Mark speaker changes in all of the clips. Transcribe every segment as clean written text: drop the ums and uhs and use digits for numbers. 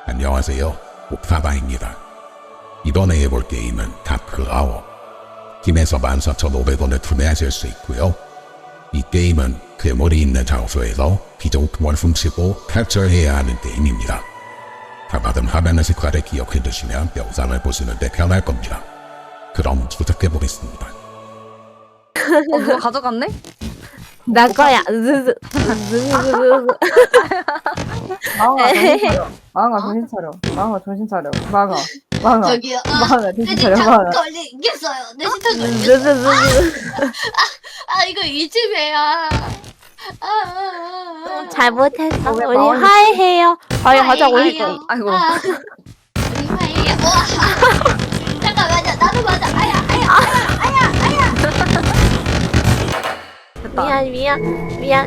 Speaker 1: 안녕하세요. 옥사바입니다. 이번에 해볼 게임은 다크아워. 팀에서 14,500원에 구매하실 수 있고요. 이 게임은 괴물이 있는 장소에서 비정품을 훔치고 탈출해야 하는 게임입니다. 다받은 화면의 색깔을 기억해 두시면 영상을 보시는데 편할 겁니다. 그럼 시작해 보겠습니다.
Speaker 2: 누가 가져갔네?
Speaker 3: 나 거야.
Speaker 4: 망아 정신 차려. 망아 정신 차려. 망아.
Speaker 5: 저기요.
Speaker 4: 망아 정신
Speaker 5: 내
Speaker 4: 차려.
Speaker 5: 진짜
Speaker 4: 망아.
Speaker 5: 걸리겠어요. 내 진짜 걸리겠어요. 아 이거 이 집이야.
Speaker 3: 잘못했어.
Speaker 4: 왜
Speaker 3: 우리
Speaker 4: 마음이
Speaker 3: 화해해요. 화해하자. 우리
Speaker 5: 아이고.
Speaker 2: 아이고.
Speaker 5: 우리 화이야. 와. 잠깐만요. 나도 맞아. 아야.
Speaker 2: 됐다.
Speaker 3: 미안.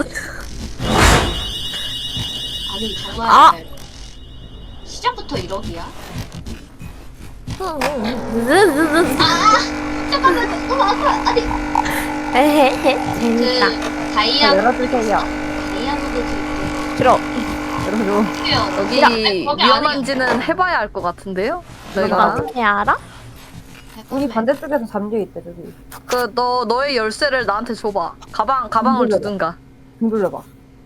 Speaker 5: 아니 정말
Speaker 3: 아.
Speaker 5: 시작부터 1억이야?
Speaker 3: 아.
Speaker 5: 잠깐만요. 너무 아파. 아니
Speaker 3: 헤헤헤. 재밌다.
Speaker 4: 열어주세요.
Speaker 5: 다이아몬드 드릴게요.
Speaker 3: 들어.
Speaker 4: 열어줘.
Speaker 2: 여기
Speaker 5: 거기
Speaker 2: 위험한지는 해봐야 알 것 같은데요? 내가
Speaker 3: 어떻게 알아?
Speaker 4: 우리 반대쪽에서 잠겨 있대 저기.
Speaker 2: 그 너의 열쇠를 나한테 줘봐. 가방을 두든가.
Speaker 4: 등 돌려봐.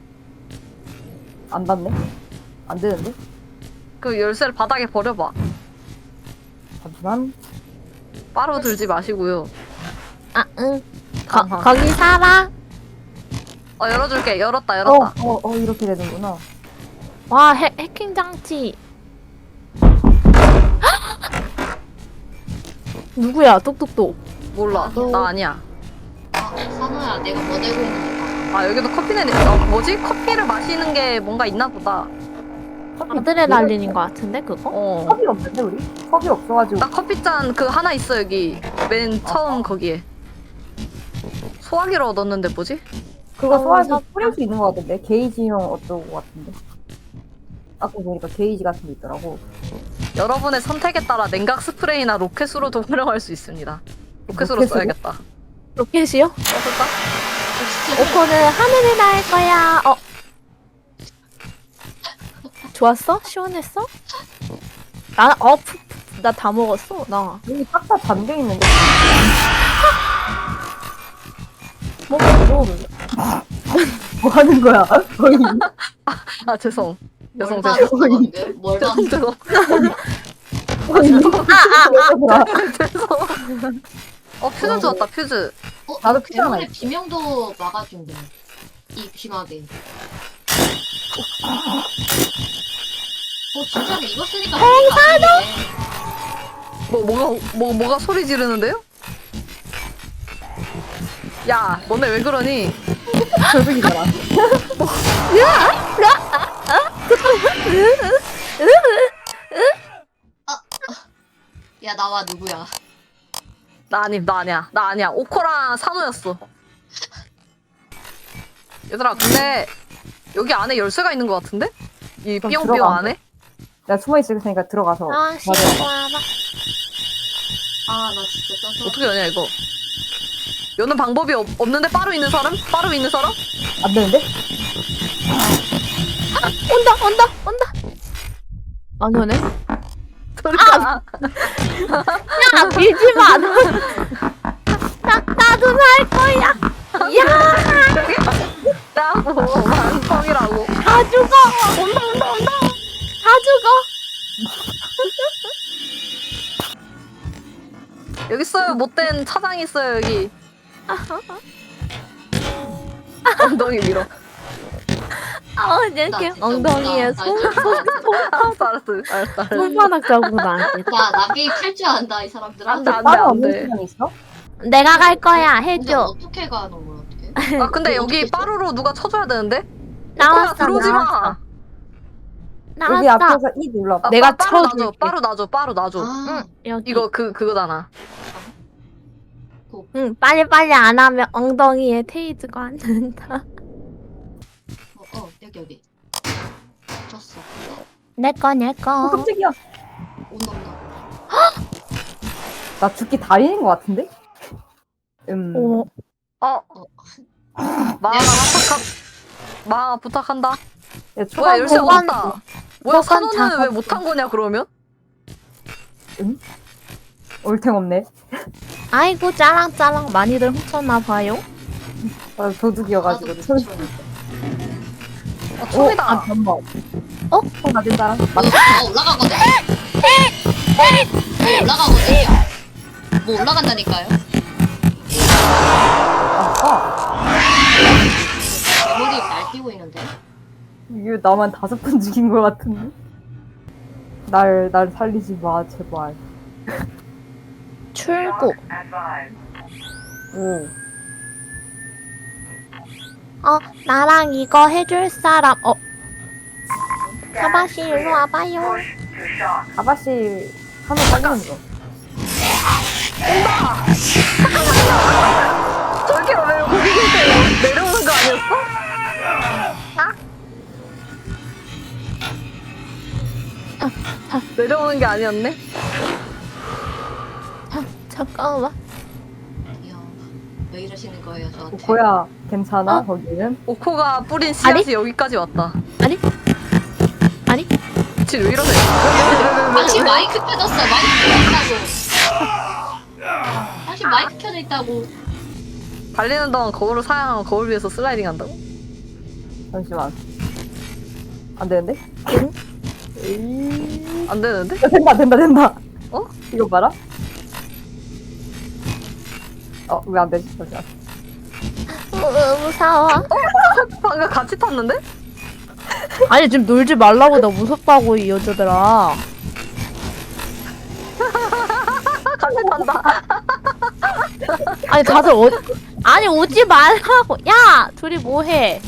Speaker 4: 안 닿네? 안 되는데?
Speaker 2: 그 열쇠를 바닥에 버려봐.
Speaker 4: 잠시만.
Speaker 2: 바로 들지 마시고요.
Speaker 3: 아, 응.
Speaker 2: 아하.
Speaker 3: 거기 살아?
Speaker 2: 열어줄게. 열었다.
Speaker 4: 이렇게 되는구나.
Speaker 3: 와, 해킹 장치. 누구야? 똑똑똑.
Speaker 2: 몰라. 나 아니야.
Speaker 5: 산호야 내가 뭐 들고 있는지 봐.
Speaker 2: 여기도 커피는 뭐지? 커피를 마시는 게 뭔가 있나 보다.
Speaker 3: 아드레날린인 것 같은데 그거?
Speaker 4: 컵이 없는데 우리? 컵이 없어가지고.
Speaker 2: 나 커피잔 그 하나 있어 여기. 맨 처음 거기에. 소화기로 얻었는데 뭐지?
Speaker 4: 그거 소화해서
Speaker 3: 샀다.
Speaker 4: 뿌릴 수 있는 거 같은데? 게이지형 어쩌고 같은데? 아까 보니까 게이지 같은 게 있더라고.
Speaker 2: 여러분의 선택에 따라 냉각 스프레이나 로켓으로도 활용할 수 있습니다. 로켓으로
Speaker 4: 로켓으로?
Speaker 2: 써야겠다.
Speaker 3: 로켓이요?
Speaker 2: 써볼까?
Speaker 3: 오코는 하늘을 날 거야. 좋았어? 시원했어? 나 다 먹었어. 나.
Speaker 4: 여기 싹 다 잠겨 있는데.
Speaker 3: 뭐
Speaker 4: 하는 거야? 거의.
Speaker 2: 죄송. 죄송.
Speaker 5: 뭘
Speaker 2: 죄송.
Speaker 5: 봤는데? 뭘 봤는데?
Speaker 2: 죄송. 퓨즈 주었다. 퓨즈.
Speaker 4: 나도 피자 하나
Speaker 5: 괴물의
Speaker 4: 있어.
Speaker 5: 비명도 막아준대. 이 귀마개. 진짜로 이거 쓰니까
Speaker 2: 뭐가 소리 지르는데요? 야, 너네 왜 그러니?
Speaker 4: 결국이잖아.
Speaker 5: 야 나와 누구야?
Speaker 2: 나 아니야. 오코랑 산호였어. 얘들아, 근데 여기 안에 열쇠가 있는 것 같은데? 이
Speaker 4: 그럼
Speaker 2: 삐용삐용
Speaker 4: 들어가.
Speaker 2: 안에?
Speaker 4: 내가 숨어 있을 테니까 들어가서.
Speaker 5: 아 나 진짜 써서
Speaker 2: 어떻게 하냐 이거? 여는 방법이 없는데 빠루 있는 사람?
Speaker 4: 안 되는데?
Speaker 3: 온다. 안 오네.
Speaker 2: 소리가
Speaker 3: 야, 밀지 마. 나도 살 거야. 야,
Speaker 2: 나고 완성이라고.
Speaker 3: 다 죽어. 온다. 다 죽어.
Speaker 2: 여기 있어요. 못된 차장이 있어요 여기. 엉덩이 밀어.
Speaker 3: 이렇게
Speaker 5: 나 진짜
Speaker 3: 엉덩이에
Speaker 5: 웃다.
Speaker 2: 알았어.
Speaker 3: 손바닥 자국 나한테.
Speaker 5: 야나 게임 탈 줄 안다 이 사람들아.
Speaker 2: 안 돼.
Speaker 4: 다른 없는
Speaker 2: 돼.
Speaker 4: 시간 있어?
Speaker 3: 내가 갈 거야.
Speaker 5: 근데
Speaker 3: 해줘.
Speaker 5: 어떻게 가는 거야 어떻게?
Speaker 2: 근데 여기
Speaker 5: 어떻게
Speaker 2: 빠루로 누가 쳐줘야 되는데?
Speaker 3: 나왔어.
Speaker 2: 들어오지 마.
Speaker 4: 여기
Speaker 3: 나왔어.
Speaker 4: 앞에서 E 눌러봐.
Speaker 3: 내가
Speaker 2: 빠루
Speaker 3: 쳐줄게.
Speaker 2: 빠루 놔줘.
Speaker 5: 아,
Speaker 3: 여기.
Speaker 2: 이거 그거잖아.
Speaker 3: 응, 빨리 안 하면 엉덩이에 테이즈가 앉는다.
Speaker 5: 여기. 졌어.
Speaker 3: 내 거.
Speaker 4: 깜짝이야.
Speaker 5: 온다.
Speaker 4: 나 죽기 달인인 것 같은데?
Speaker 3: 오,
Speaker 2: 마아 부탁한다.
Speaker 4: 야,
Speaker 2: 뭐야 열쇠
Speaker 3: 보관-
Speaker 2: 얻었다. 뭐야,
Speaker 3: 그건
Speaker 2: 산호는
Speaker 3: 작업.
Speaker 2: 왜 못한 거냐, 그러면?
Speaker 4: 올탱 없네.
Speaker 3: 아이고 짜랑짜랑 많이들 훔쳤나 봐요.
Speaker 4: 아, 도둑이어가지고.
Speaker 5: 나도
Speaker 4: 손.
Speaker 5: 미쳐요.
Speaker 2: 총이다.
Speaker 4: 아, 잠깐만.
Speaker 3: 어?
Speaker 4: 손 맞은다.
Speaker 5: 뭐 올라가거든. 뭐 올라가거든요. 뭐 올라간다니까요. 대머리 날뛰고 있는데.
Speaker 4: 이게 나만 5번 죽인 것 같은데? 날 살리지 마, 제발.
Speaker 3: 출구.
Speaker 4: 오.
Speaker 3: 나랑 이거 해줄 사람. 사바씨 일로 와봐요.
Speaker 4: 아바씨 하면 살리는 거.
Speaker 2: 저기 왜 거기 계세요? 내려오는 거 아니었어? 내려오는 게 아니었네?
Speaker 3: 잠깐만.
Speaker 5: 이야, 왜 이러시는 거예요 저한테?
Speaker 4: 고야 괜찮아? 거기는?
Speaker 2: 오코가 뿌린 씨앗이 여기까지 왔다.
Speaker 3: 아니?
Speaker 2: 지금 왜 이러세요?
Speaker 5: 당신 마이크 켜졌어. 마이크 켜져 있다고. 당신 마이크 켜져 있다고.
Speaker 2: 달리는 동안 거울을 사용하면 거울 위에서 슬라이딩 한다고?
Speaker 4: 잠시만. 안 되는데?
Speaker 2: 안 되는데?
Speaker 4: 된다.
Speaker 2: 어?
Speaker 4: 이거 봐라. 왜 안 되지? 잠시만.
Speaker 3: 무서워.
Speaker 2: 방금 같이 탔는데?
Speaker 3: 아니 지금 놀지 말라고 나 무섭다고 이 여자들아.
Speaker 2: 같이 탄다.
Speaker 3: 아니 다들 아니 오지 말라고. 야 둘이 뭐해?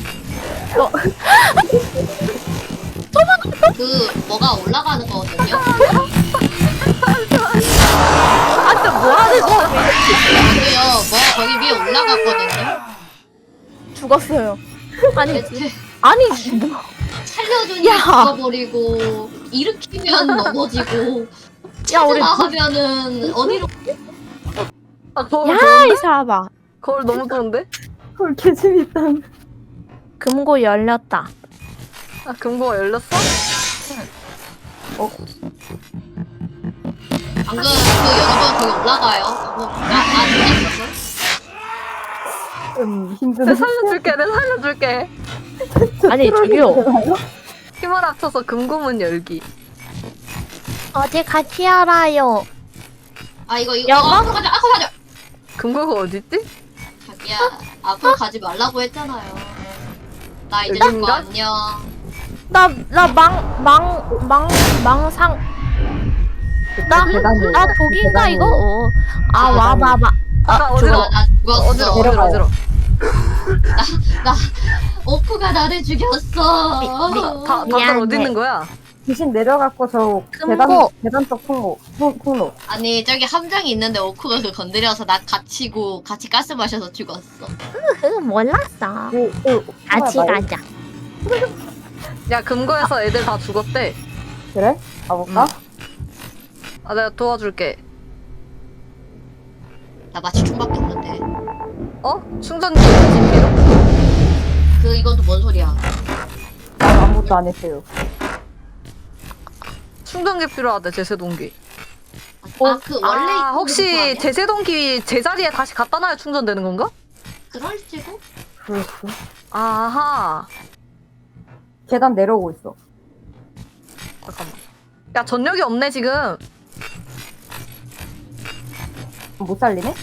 Speaker 5: 그 뭐가 올라가는 거거든요.
Speaker 3: 아 진짜 뭐하는 거야?
Speaker 5: 저도요. 뭐가 거기 위에 올라갔거든요.
Speaker 3: 죽었어요. 아니
Speaker 5: 대체
Speaker 3: 아니 뭐.
Speaker 5: 살려주니
Speaker 3: 야.
Speaker 5: 죽어버리고 일으키면 넘어지고
Speaker 3: 야 우리
Speaker 5: 나가면은 어디로?
Speaker 2: 아, 거울
Speaker 3: 야
Speaker 2: 좋은데?
Speaker 3: 이 사람아.
Speaker 2: 거울 너무 좋은데?
Speaker 4: 헐, 개재밌다.
Speaker 3: 금고 열렸다.
Speaker 2: 아, 금고가 열렸어?
Speaker 5: 방금 그 여자분 거기 올라가요. 나 죽였어.
Speaker 4: 힘드네.
Speaker 2: 내가 살려줄게.
Speaker 3: 아니 저기요.
Speaker 2: 힘을 합쳐서 금고문 열기.
Speaker 3: 어디 같이 알아요.
Speaker 5: 아 이거
Speaker 3: 여보?
Speaker 5: 앞으로 가자.
Speaker 2: 금고가 어딨지?
Speaker 5: 자기야 앞으로 가지 말라고 했잖아요. 나 이제
Speaker 2: 여긴가?
Speaker 5: 죽고 안녕.
Speaker 3: 나 망상. 나 독인가 이거? 와봐봐.
Speaker 2: 아, 어지러.
Speaker 5: 나 죽었어.
Speaker 2: 어지러.
Speaker 4: 내려가요.
Speaker 5: 나 오프가 나를 죽였어.
Speaker 2: 다들
Speaker 3: 미안해.
Speaker 2: 어디 있는 거야?
Speaker 4: 귀신 내려갔고 저
Speaker 3: 금고.
Speaker 4: 계단 쪽 통로.
Speaker 5: 아니 저기 함정이 있는데 오프가 그 건드려서 나 갇히고 같이 가스 마셔서 죽었어.
Speaker 3: 몰랐어.
Speaker 4: 그
Speaker 3: 같이
Speaker 4: 통로에
Speaker 3: 가자.
Speaker 2: 야, 금고에서 애들 다 죽었대.
Speaker 4: 그래? 가볼까?
Speaker 2: 아, 내가 도와줄게.
Speaker 5: 나 마치 총밖에 없는데.
Speaker 2: 충전기 어디 필요?
Speaker 5: 그 이것도 뭔 소리야?
Speaker 4: 난 아무것도 안 했어요.
Speaker 2: 충전기 필요하대, 제세동기.
Speaker 5: 그 원래 있던 거
Speaker 2: 혹시
Speaker 5: 아니야?
Speaker 2: 제세동기 제자리에 다시 갖다 놔야 충전되는 건가?
Speaker 5: 그럴지도?
Speaker 4: 그렇지.
Speaker 2: 아하.
Speaker 4: 계단 내려오고 있어.
Speaker 2: 잠깐만. 야, 전력이 없네, 지금.
Speaker 4: 못 살리네?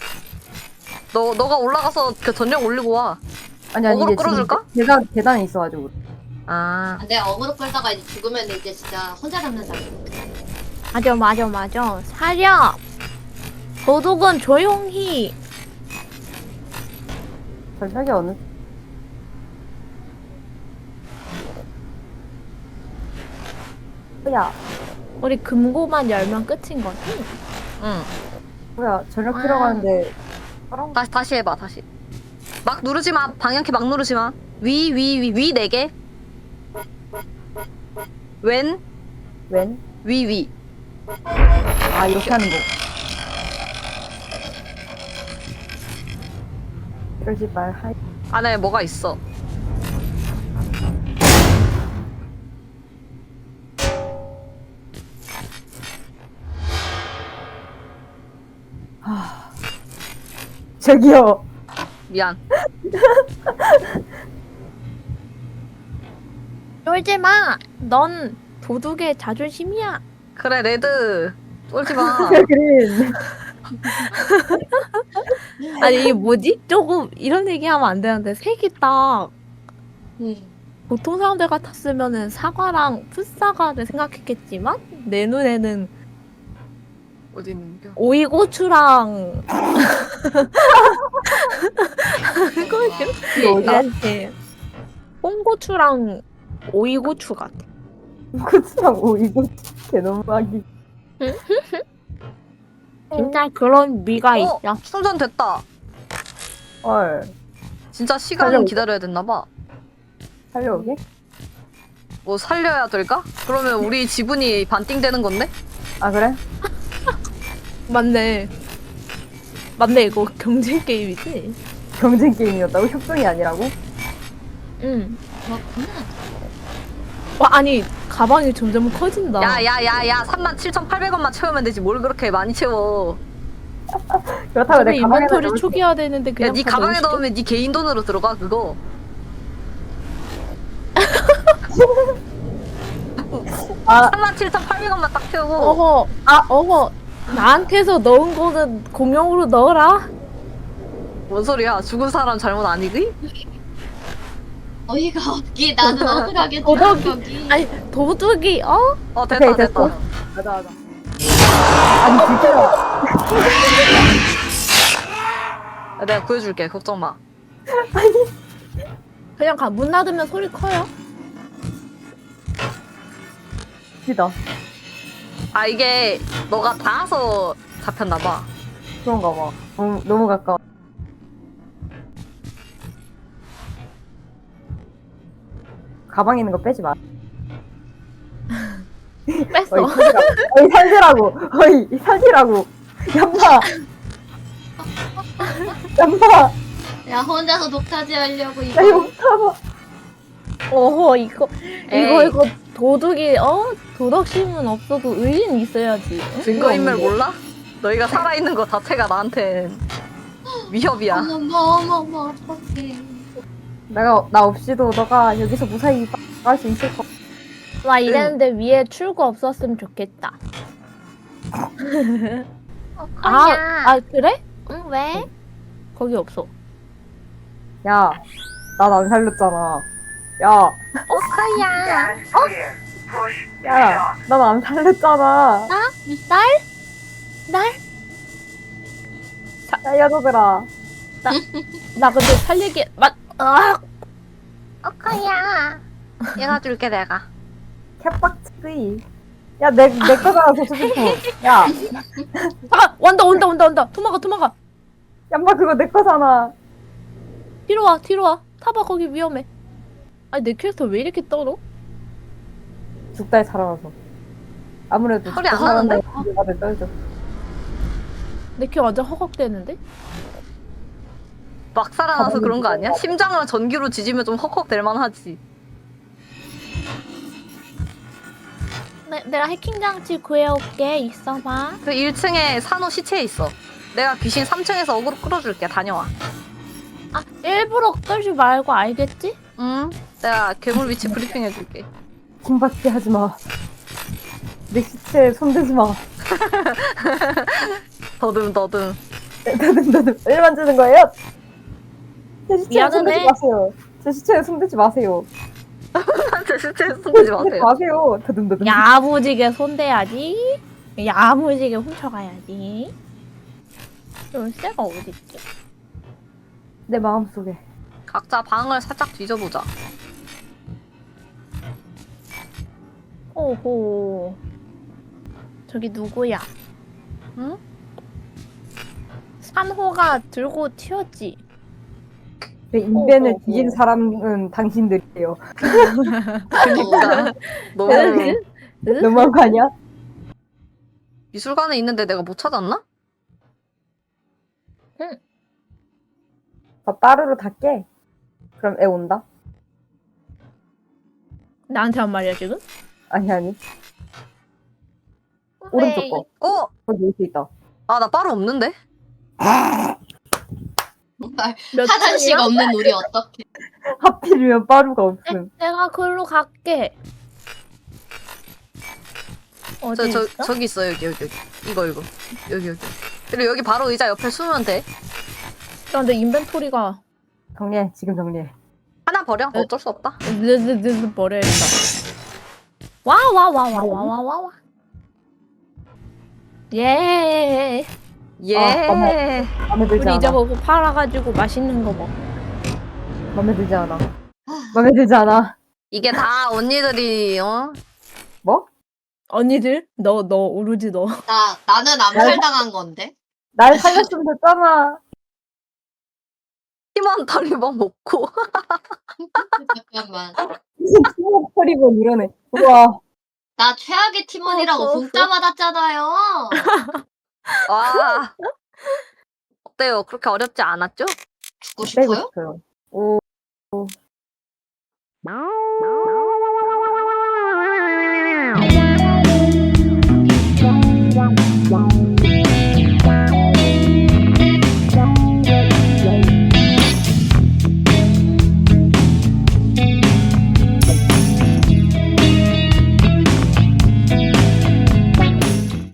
Speaker 2: 너가 올라가서 그 전력 올리고 와.
Speaker 4: 아니
Speaker 2: 어그로
Speaker 4: 이게
Speaker 2: 끌어줄까?
Speaker 4: 지금 계단에 있어가지고.
Speaker 2: 아.
Speaker 5: 내가 어그로 끌다가 이제 죽으면 이제 진짜 혼자 남는 사람.
Speaker 3: 맞아. 사려. 도둑은 조용히.
Speaker 4: 전력이 어느? 뭐야?
Speaker 3: 우리 금고만 열면 끝인 거지?
Speaker 2: 응.
Speaker 4: 뭐야? 전력 필요가는데
Speaker 2: 다시 해봐, 다시. 막 누르지 마. 방향키 막 누르지 마. 위 4개. 왼,
Speaker 4: 웬?
Speaker 2: 위.
Speaker 4: 아 이렇게 하는 거. 이러지 말. 하이.
Speaker 2: 안에 뭐가 있어.
Speaker 4: 저기요.
Speaker 2: 미안.
Speaker 3: 쫄지 마. 넌 도둑의 자존심이야.
Speaker 2: 그래 레드. 쫄지 마.
Speaker 4: 그린.
Speaker 3: 아니 이게 뭐지? 조금 이런 얘기하면 안 되는데 색이 딱 보통 사람들 같았으면은 사과랑 풋사과를 생각했겠지만 내 눈에는
Speaker 2: 어디 있는겨?
Speaker 3: 오이고추랑 이렇게 홍고추랑 오이고추 같아.
Speaker 4: 고추랑 오이고 개너무하기.
Speaker 3: 진짜 그런 미가 있어.
Speaker 2: 충전됐다.
Speaker 4: 헐.
Speaker 2: 진짜 시간
Speaker 4: 살려올게.
Speaker 2: 기다려야 됐나봐.
Speaker 4: 살려오게?
Speaker 2: 뭐 살려야 될까? 그러면 우리 지분이 반띵되는 건데?
Speaker 4: 아 그래?
Speaker 3: 맞네. 맞네 이거 경쟁 게임이지.
Speaker 4: 경쟁 게임이었다고? 협동이 아니라고?
Speaker 3: 응.
Speaker 5: 그렇구나.
Speaker 3: 와 아니 가방이 점점 커진다.
Speaker 2: 야야야야 37,800원만 채우면 되지 뭘 그렇게 많이 채워.
Speaker 4: 그렇다고
Speaker 3: 근데
Speaker 4: 내 가방에
Speaker 3: 인벤토리 초기화 되는데 그냥
Speaker 2: 야네
Speaker 3: 다
Speaker 2: 가방에
Speaker 3: 넣으시죠?
Speaker 2: 넣으면 네 개인 돈으로 들어가 그거.
Speaker 4: 아
Speaker 2: 37,800원만 딱 채우고.
Speaker 3: 어허 나한테서 넣은 거는 공용으로 넣어라.
Speaker 2: 뭔 소리야? 죽은 사람 잘못 아니기?
Speaker 5: 어이가 없기. 나는 억울하게
Speaker 3: 도덕이-
Speaker 5: 거기.
Speaker 3: 아니 도둑이
Speaker 2: 됐다
Speaker 4: 오케이, 됐어.
Speaker 2: 됐다.
Speaker 4: 맞아 맞아. 아니 진짜
Speaker 2: 야, 내가 구해줄게 걱정 마.
Speaker 3: 그냥 문 닫으면 소리 커요.
Speaker 4: 웃기다.
Speaker 2: 아 이게 너가 닿아서 잡혔나봐.
Speaker 4: 그런가 봐. 너무 가까워. 가방에 있는 거 빼지 마.
Speaker 3: 뺐어.
Speaker 4: 어이 살지라고. 어이 살지라고. 얌마. 얌마.
Speaker 5: 야 혼자서 독타지 하려고
Speaker 4: 나
Speaker 5: 이거.
Speaker 4: 이거 못하봐.
Speaker 3: 어허 이거
Speaker 2: 에이.
Speaker 3: 이거 도둑이 도덕심은 없어도 의리는 있어야지. 응?
Speaker 2: 증거인멸
Speaker 3: 이거
Speaker 2: 몰라? 너희가 살아있는 거 자체가 나한텐 위협이야.
Speaker 5: 어머머머머 어떡해.
Speaker 4: 나 없이도 너가 여기서 무사히 갈 수 있을 거.
Speaker 3: 와 이랬는데 위에 출구 없었으면 좋겠다. 아 그래? 응 왜? 거기 없어.
Speaker 4: 야, 난 안 살렸잖아. 야,
Speaker 3: 오카야.
Speaker 4: 야, 난 안 살렸잖아.
Speaker 3: 날?
Speaker 4: 야, 여자들아.
Speaker 3: 나 근데 살리기
Speaker 2: 오카야. 얘가 줄게 내가.
Speaker 4: 캣박치기. 야, 내 거잖아, 소주품. 야,
Speaker 3: 온다. 도망가.
Speaker 4: 얌마 그거 내 거잖아.
Speaker 3: 뒤로 와. 타봐 거기 위험해. 아니 내 캐릭터 왜 이렇게 떨어?
Speaker 4: 죽다에 살아나서. 아무래도
Speaker 2: 소리 안 나는데?
Speaker 4: 다들 떨죠.
Speaker 3: 내 캐 완전 허걱대는데?
Speaker 2: 막 살아나서 그런 거 아니야? 심장을 전기로 지지면 좀 헉헉 될 만하지.
Speaker 3: 내가 해킹 장치 구해올게. 있어봐.
Speaker 2: 그 1층에 산호 시체에 있어. 내가 귀신 3층에서 어그로 끌어줄게. 다녀와.
Speaker 3: 아 일부러 끌지 말고 알겠지?
Speaker 2: 응? 내가 괴물 위치 브리핑 해줄게.
Speaker 4: 킹받게 하지 마. 내 시체에 손대지 마.
Speaker 2: 더듬.
Speaker 4: 너는 왜 만지는 거예요? 제 시체에
Speaker 3: 미안하네.
Speaker 4: 손대지 마세요. 제 시체에 손대지 마세요.
Speaker 2: 제 시체에 손대지 마세요.
Speaker 4: 마세요. 더듬더듬.
Speaker 3: 야무지게 손대야지. 야무지게 훔쳐가야지. 열쇠가 어딨지?
Speaker 4: 내 마음속에.
Speaker 2: 각자 방을 살짝 뒤져보자.
Speaker 3: 오호. 저기 누구야?
Speaker 2: 응?
Speaker 3: 산호가 들고 튀었지.
Speaker 4: 내 인벤을
Speaker 3: 어.
Speaker 4: 뒤진 사람은 당신들이에요.
Speaker 2: 그니까. 너무
Speaker 4: 너무한 거 아니야?
Speaker 2: 미술관에 있는데 내가 못 찾았나?
Speaker 4: 나 따르르 다 깨. 그럼 애 온다?
Speaker 3: 나한테 한 말이야 지금?
Speaker 4: 아니. 오른쪽 거.
Speaker 2: 어?
Speaker 4: 거기 올 수 있다.
Speaker 2: 아, 나 빠루 없는데?
Speaker 5: 정말
Speaker 3: 몇
Speaker 5: 하나씩
Speaker 3: 층이야?
Speaker 5: 없는 우리 어떡해.
Speaker 4: 하필이면 빠루가 없음.
Speaker 3: 내가 글로 갈게. 어디 있어?
Speaker 2: 저기 있어 여기. 이거 여기. 그리고 여기 바로 의자 옆에 숨으면 돼.
Speaker 3: 근데 인벤토리가
Speaker 4: 정리해. 지금 정리해.
Speaker 2: 하나 버려. 어쩔 수 없다.
Speaker 3: 느느느 버려야겠다. 와와와와와와와. 예.
Speaker 2: 예.
Speaker 4: 마음에 들지
Speaker 3: 우리 이제
Speaker 4: 않아.
Speaker 3: 그거 팔아가지고 맛있는 거 먹.
Speaker 4: 마음에 들지 않아. 마음에 들지 않아.
Speaker 2: 이게 다 언니들이
Speaker 4: 뭐?
Speaker 3: 언니들 너 오로지 너.
Speaker 5: 나는 암살당한 건데.
Speaker 4: 날 살렸으면 됐잖아.
Speaker 2: 팀원 다리만 먹고.
Speaker 5: 잠깐만.
Speaker 4: 무슨 팀워크 처리본 이러네. 우와.
Speaker 5: 나 최악의 팀원이라고 공짜 받았잖아요.
Speaker 2: 와. 어때요? 그렇게 어렵지 않았죠?
Speaker 5: 죽고
Speaker 4: 빼고
Speaker 5: 싶어요?
Speaker 4: 싶어요. 오.